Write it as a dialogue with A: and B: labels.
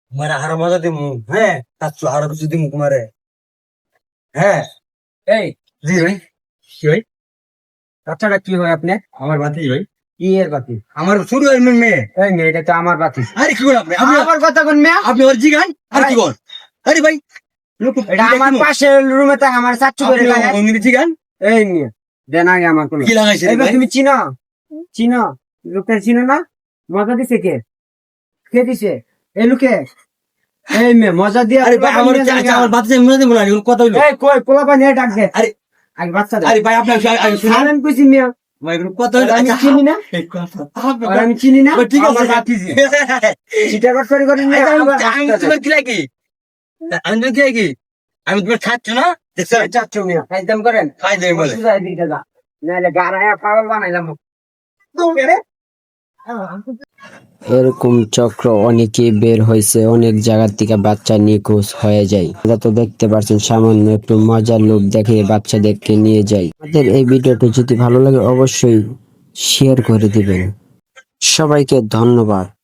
A: মারা হারা মজা দিমু হ্যাঁ তার আরো কিছু দিমু তোমারে হ্যাঁ।
B: এই
A: জি ভাই কি ভাই
B: বাচ্চাটা কি হয় আপনি?
A: আমার বাতি ভাই
B: কি এর বাতি?
A: আমার শুরু হয় মেয়ে।
B: এই মেয়ে, এটা তো আমার বাতি।
A: আরে কি বলেন আপনি
B: আমার কথা কোন মেয়ে?
A: আপনি ওর জিগান আর কি বল আরে ভাই
B: এটা আমার পাশের রুমে থাকে, আমার চাচ্চু করে লাগায়।
A: অঙ্গিনী জিগান
B: এই নিয়ে দেন আগে আমার কোন।
A: কি লাগাইছে রে
B: এইবার
A: ভাই?
B: তুমি চিনো চিনো লোকটা চিনো না? মজা দিছে কে? কে দিছে? এই লোকে। এই মেয়ে মজা দিয়ে
A: আরে ভাই আমার আমার বাতি মনে দেবো না এগুলো কথা হইলো।
B: এই কই পোলাপা নিয়ে ডাক দে।
A: আরে
B: আগে বাচ্চা দে।
A: আরে ভাই আপনি শুনুন
B: আমি কইছি মেয়ে,
A: ভাই এগুলো কথা হইলো
B: আমি চিনি না,
A: এই কথা
B: আর আমি চিনি না।
A: ঠিক আছে
B: আমার বাতি জি। চিটা কট করে করে নিয়ে
A: আমি
B: আমার
A: আমি
B: হাতটা দে।
A: তোমার কি লাগি আমি তোমার কি লাগি আমি তোমার খাচ্ছ না দেখছো
B: এই চাচ্চু মেয়ে একদম করেন।
A: খাই দেবে বলে
B: সুজাই দিতে যা, নাইলে গাড়ায় পাগল বানাইলাম।
C: এরকম চক্র অনেকেই বের হয়েছে, অনেক জায়গা থেকে বাচ্চা নিখোঁজ হয়ে যায়। আপনারা তো দেখতে পাচ্ছেন, সামান্য একটু মজার লোক দেখে বাচ্চাদেরকে নিয়ে যায়। আমাদের এই ভিডিওটি যদি ভালো লাগে অবশ্যই শেয়ার করে দিবেন। সবাইকে ধন্যবাদ।